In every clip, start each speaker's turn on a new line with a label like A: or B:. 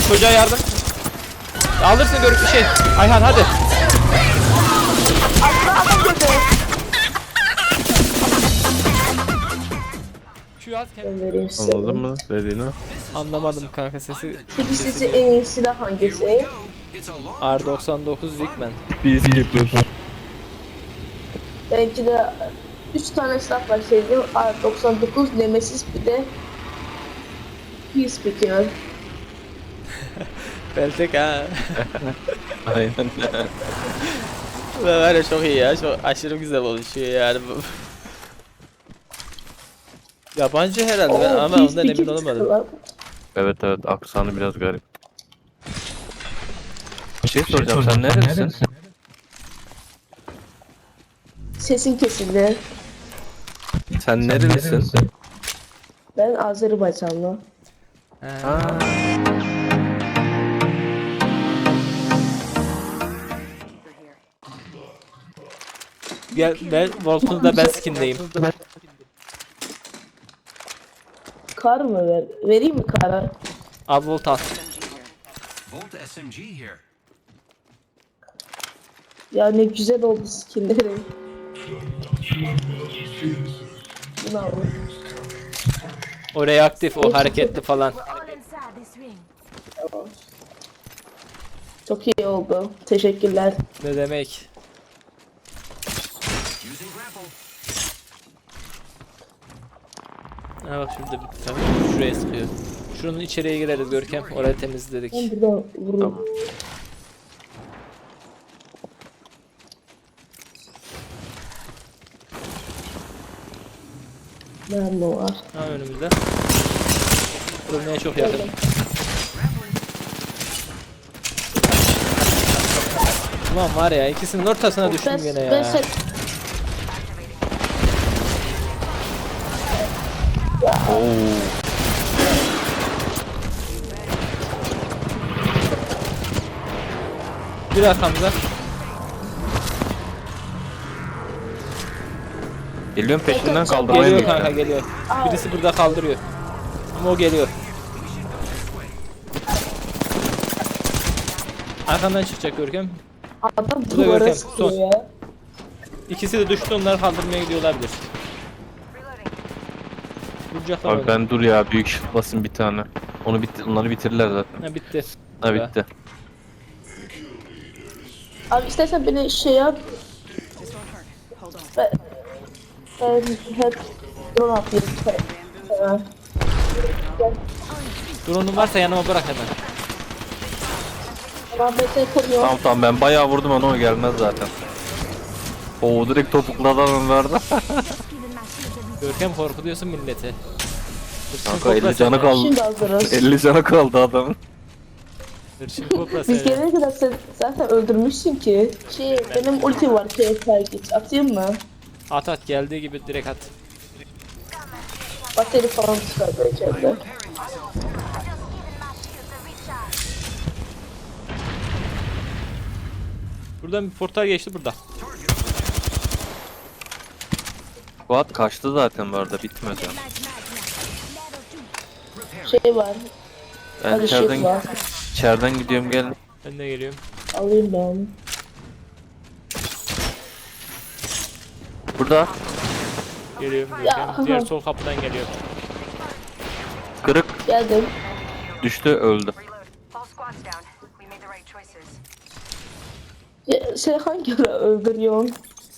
A: Çocuğa yardım. Alırsın görüp bir şey. Ayhan hadi. Şu at kendini.
B: Anladın mı dediğini?
A: Anlamadım kanka sesi.
C: Peki sizce en iyi silah hangisi?
A: R99 Rickman.
B: Peacekeeper.
C: Belki de 3 tane silah var sevdiğim. R99, Nemesis, bir de Peacekeeper.
A: Beltek ha.
B: Aynen.
A: Var ya çok iyi ya. Çok aşırı güzel oluşuyor yani bu. Yabancı herhalde ben ama ondan emin olamadım.
B: Evet aksanı biraz garip. Bir şey soracağım, sen nerelisin?
C: Sesin kesildi.
B: Sen nerelisin?
C: Ben Azerbaycanlı.
B: Ha.
A: Gel ben Voltun'da ben skindeyim.
C: Kar mı ver? Vereyim mi kara?
A: Al Volt al.
D: Volt SMG here.
C: Ya ne güzel oldu skinleri. Bunu al.
A: O reaktif, o hareketli falan.
C: Çok iyi oldu. Teşekkürler.
A: Ne demek?
D: Using grapple.
A: Ha bak şurada bir tane şuraya sıkıyor. Şunun içeriye gireriz Görkem. Orayı temizledik.
C: Ben buradan vururum. Nerede var?
A: Ha önümüzde. Ölmeye çok yakın. Ulan var ya ikisinin ortasına düştüm gene ya. Bir arkamda.
B: Geliyorum peşinden kaldırmaya
A: Geliyor
B: gidiyorum.
A: kanka geliyor. Birisi burada kaldırıyor. Ama o geliyor. Arkandan çıkacak Görkem.
C: Adam
A: da
C: duvara
A: Görkem,
C: sıkıyor
A: son.
C: ya.
A: İkisi de düştü, onları kaldırmaya gidiyor olabilir. Vuracaklar
B: Abi
A: onu.
B: ben dur ya, büyük shift basın bir tane. Onları bitirirler zaten.
A: Ha bitti.
B: Ha bitti.
C: Abi istersen beni şey yap. Ben hep drone atayım.
A: Drone'un varsa yanıma bırak hemen.
C: Ben seni koruyorum.
B: Tamam ben bayağı vurdum ama o gelmez zaten. Oo direkt topukladan onlarda.
A: Görkem korkutuyorsun milleti. Hırsın
B: Kanka 50
A: kokla
B: canı
A: seni.
B: kaldı.
C: Şimdi hazırız.
B: 50 canı kaldı adamın.
A: Hırsın kokla
C: Biz
A: seni.
C: gelene kadar sen zaten öldürmüşsün ki. Benim ulti var target. Atayım mı?
A: At at geldiği gibi direkt at.
C: Bateri falan çıkar belki de.
A: Buradan bir portal geçti burada.
B: Fuat kaçtı zaten bu arada, bitmedi.
C: Şey var.
B: Ben
C: Hadi shield var.
B: içeriden gidiyorum, gelin.
A: Ben de geliyorum.
C: Alayım ben.
B: Burada
A: Geliyorum
C: Ya,
A: Görkem. Diğer sol kapıdan geliyor.
B: kırık
C: Geldim.
B: düştü, öldü.
E: All squads down. We made the right choices.
C: Ya, sen hangi ara öldürüyorsun?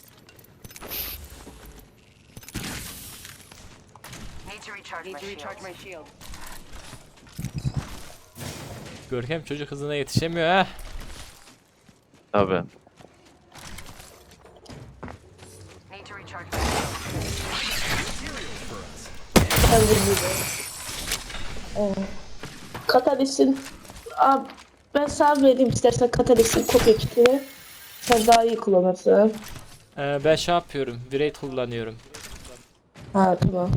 E: Need to recharge my shield.
A: Görkem çocuk hızına yetişemiyor ha.
B: Tabi.
E: Need to recharge my
C: Ben vurmuyorum. Katalis'in... Abi ben sana vereyim istersen Katalis'in kopya kitini. Sen daha iyi kullanırsın.
A: Ben şey yapıyorum. Virate kullanıyorum.
C: Ha tamam.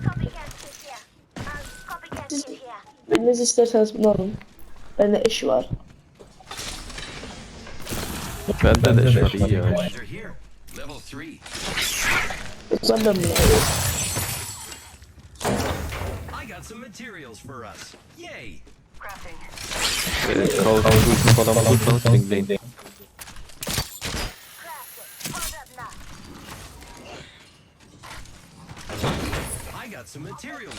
C: Siz biriniz isterseniz bunu alın. Bende eş var.
B: Bende de şey iyi ya.
D: They're here. Level 3.
C: O zaman ben bunu alayım.
D: I got some materials for us. Yay!
E: crafting.
B: Kavuşma falan bulursanız linkleyin.
D: I got some materials.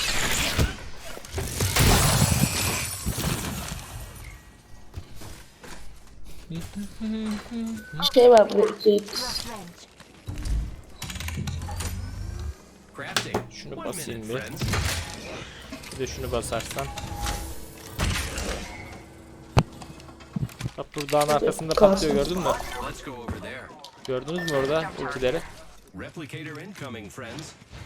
C: Şey var burada 2x.
D: Crafting.
A: Şunu
D: One
A: basayım
D: minute,
A: bir.
D: friends.
A: Bir de şunu basarsan. Bak bu dağın arkasında patlıyor, gördün mü?
D: Let's go over there.
A: Gördünüz mü orada ultileri?
D: Replicator incoming, friends.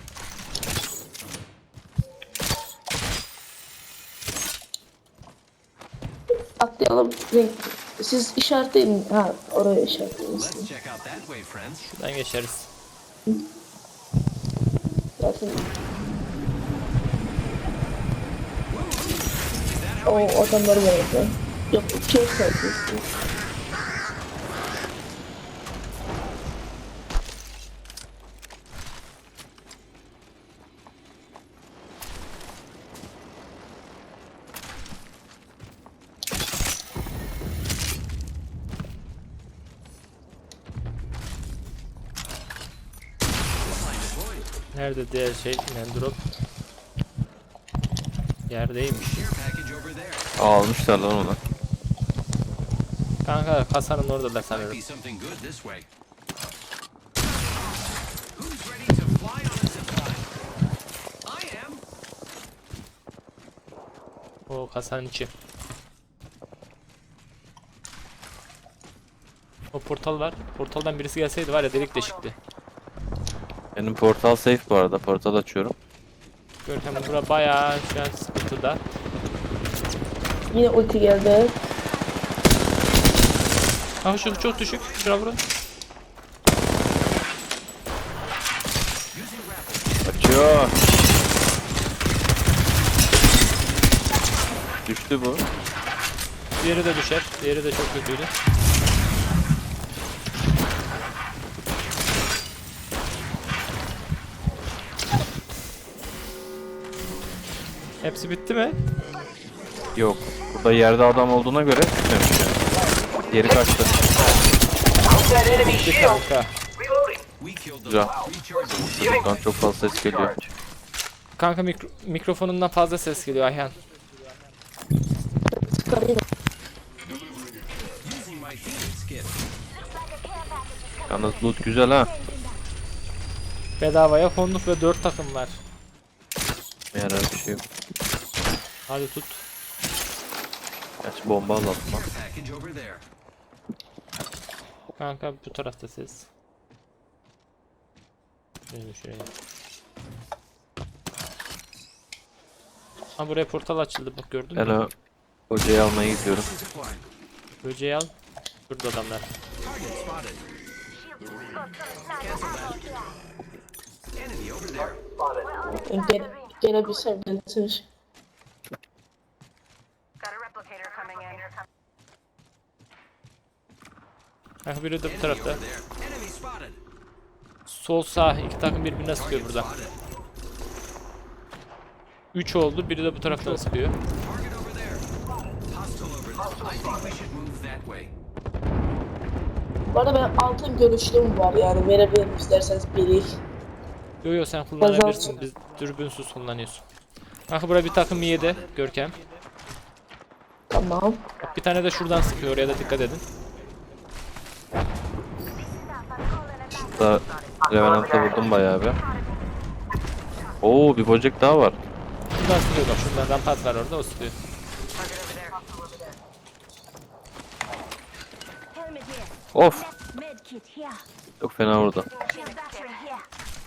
C: Atlayalım. Siz işaretleyin. Ha oraya işaretleyin.
D: Let's check out that way, friends.
A: Şuradan geçeriz.
C: Zaten o adamları var orada. Yok iki işaretleyin.
A: Nerede diğer şey? Mendrop. Yerdeymiş.
D: Care package over there.
B: Almışlar lan onu.
A: Kanka kasanın oradalar
D: Might
A: sanırım.
D: be something good this way. Who's ready to fly on a zipline? I am.
A: O kasanın içi. O portal var. Portaldan birisi gelseydi var ya, delik deşikti.
B: Benim portal safe bu arada. Portal açıyorum.
A: Görkem bura bayağı şu an sıkıntıda.
C: Yine ulti geldi.
A: Aha şu çok düşük. Şuna vurun.
B: Açıyor. Düştü bu.
A: Diğeri de düşer. Diğeri de çok kötüydü. Hepsi bitti mi?
B: Yok. Burada yerde adam olduğuna göre bitmemiş yani. Geri kaçtı.
A: Bitti kanka.
D: We killed the
B: Güzel.
D: rechargeable.
B: Buradan çok fazla ses geliyor.
A: Kanka mikrofonundan fazla ses geliyor Ayhan.
C: Çıkarayım.
D: Using my Phoenix kit.
B: Yalnız loot güzel ha.
A: Bedavaya konduk ve 4 takım var.
B: Yarar bir şey yok.
A: Hadi tut.
B: Gerçi bomba alalım lan.
D: Care package over there.
A: Kanka bu tarafta ses. Şuraya. Ha buraya portal açıldı, bak gördün mü?
B: Hello. Hocayı almaya gidiyorum.
D: Zipline.
A: Böceği al. Burada adamlar.
D: Target spotted. Cancel that. Enemy over there.
C: Gelebilsem gelir.
E: Got a replicator coming in.
A: Kanka biri de bu
D: Enemy
A: tarafta.
D: over there. Enemy spotted.
A: Sol sağ iki takım birbirine sıkıyor
D: Target
A: burada.
D: spotted.
A: 3 oldu, biri de bu taraftan sıkıyor.
D: Target over there. Hostile over there. I think we should move that way.
C: Bu arada benim altın görüşlüğüm var yani verebilirim isterseniz biri.
A: Yo yo sen kullanabilirsin, biz dürbünsüz kullanıyorsun. Kanka buraya bir takım yedi Görkem.
C: Tamam.
A: Bak bir tane de şuradan sıkıyor, oraya da dikkat edin.
B: Da Revenant'a vurdum bayağı bir. Oo bir böcek daha var.
A: Şuradan sıkıyor bak, şuradan rampart var orada, o sıkıyor.
E: Target over there.
F: Helmet here.
B: Of.
F: Med kit here.
B: Çok fena vurdu.
F: Shield battery here.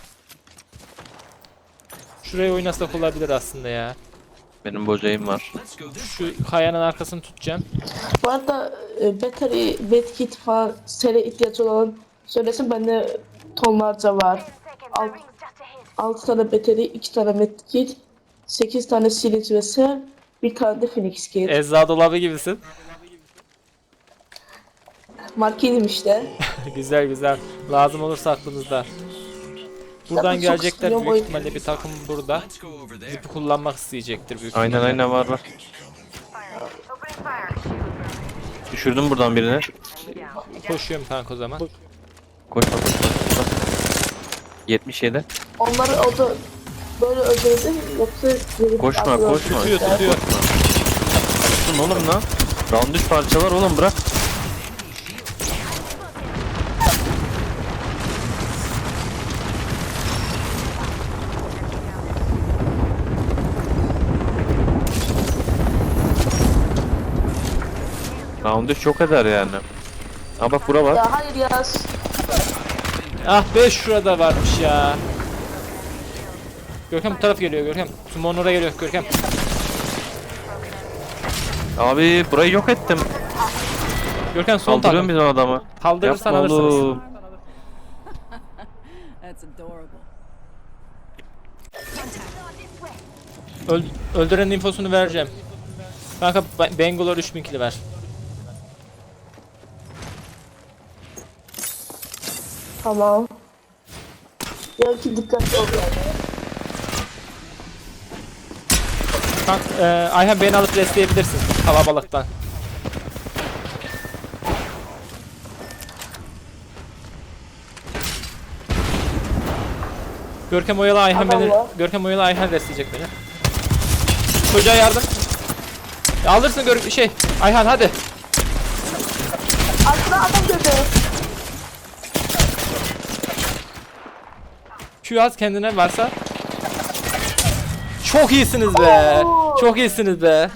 A: Şurayı oynasak olabilir aslında ya.
B: Benim böceğim var.
D: Let's go this
A: Şu kayanın arkasını tutacağım.
C: Bu arada battery, medkit falan sere ihtiyaç olan söylesin bende tonlarca var.
E: Seconds. Rings just ahead.
C: 6 tane battery, 2 tane medkit, 8 tane silinç ve sel, bir tane de phoenix kit.
A: Ecza dolabı gibisin.
C: Marketim işte.
A: Güzel güzel. Lazım olursa aklınızda. Buradan
C: Zaten çok
A: gelecekler
C: sıkılıyor
A: büyük
C: bu
A: ihtimalle, bir takım burada.
D: Let's go over there.
A: Zipi kullanmak isteyecektir büyük
B: Aynen
A: ihtimalle.
B: aynen var var.
E: Fire. Opening
B: Düşürdüm buradan birini.
A: Koşuyorum kanka o zaman.
B: Koşma. 77.
C: Onları o da böyle öldürdü yoksa
B: Koşma.
A: Tutuyor tutuyor.
B: Tutun oğlum lan. Round 3 parçalar oğlum bırak. Round 3 çok eder yani. Ha bak bura var.
C: Ya hayır ya.
A: Ah be şurada varmış ya. Görkem bu taraf geliyor Görkem. Sumon oraya geliyor Görkem.
B: Abi burayı yok ettim.
A: Görkem son
B: Kaldırıyorum
A: takım.
B: bizim adamı.
A: Kaldırırsan
B: Yapma
A: alırsınız.
B: oğlum.
G: That's adorable.
A: Öldürenin infosunu vereceğim. Kanka Bangalore 3000 kili ver.
C: Tamam. Ya ki dikkatli ol yani.
A: Kanka Ayhan beni alıp restleyebilirsin kalabalıktan. Görkem oyalı Ayhan beni.
C: Tamam.
A: Görkem oyalı Ayhan restleyecek beni. Çocuğa yardım. Ya alırsın Ayhan hadi.
C: Arkada adam gördü.
A: Q az kendine varsa. Çok iyisiniz be. Çok iyisiniz be.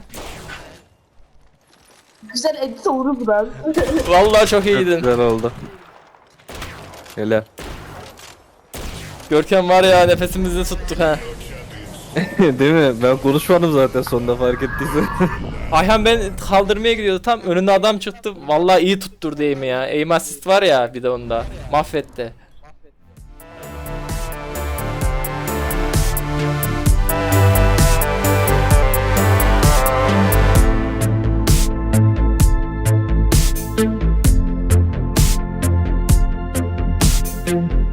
C: Güzel edit olur buradan.
A: Vallahi çok
B: Çok
A: iyiydin.
B: güzel oldu. Hele.
A: Görkem var ya nefesimizi tuttuk ha.
B: Değil mi? Ben konuşmadım zaten sonunda fark ettiysen.
A: Ayhan ben kaldırmaya gidiyordu tam önünde adam çıktı. Vallahi iyi tutturdu aim'i ya. Aim assist var ya bir de onda. Mahvetti.
C: Thank you.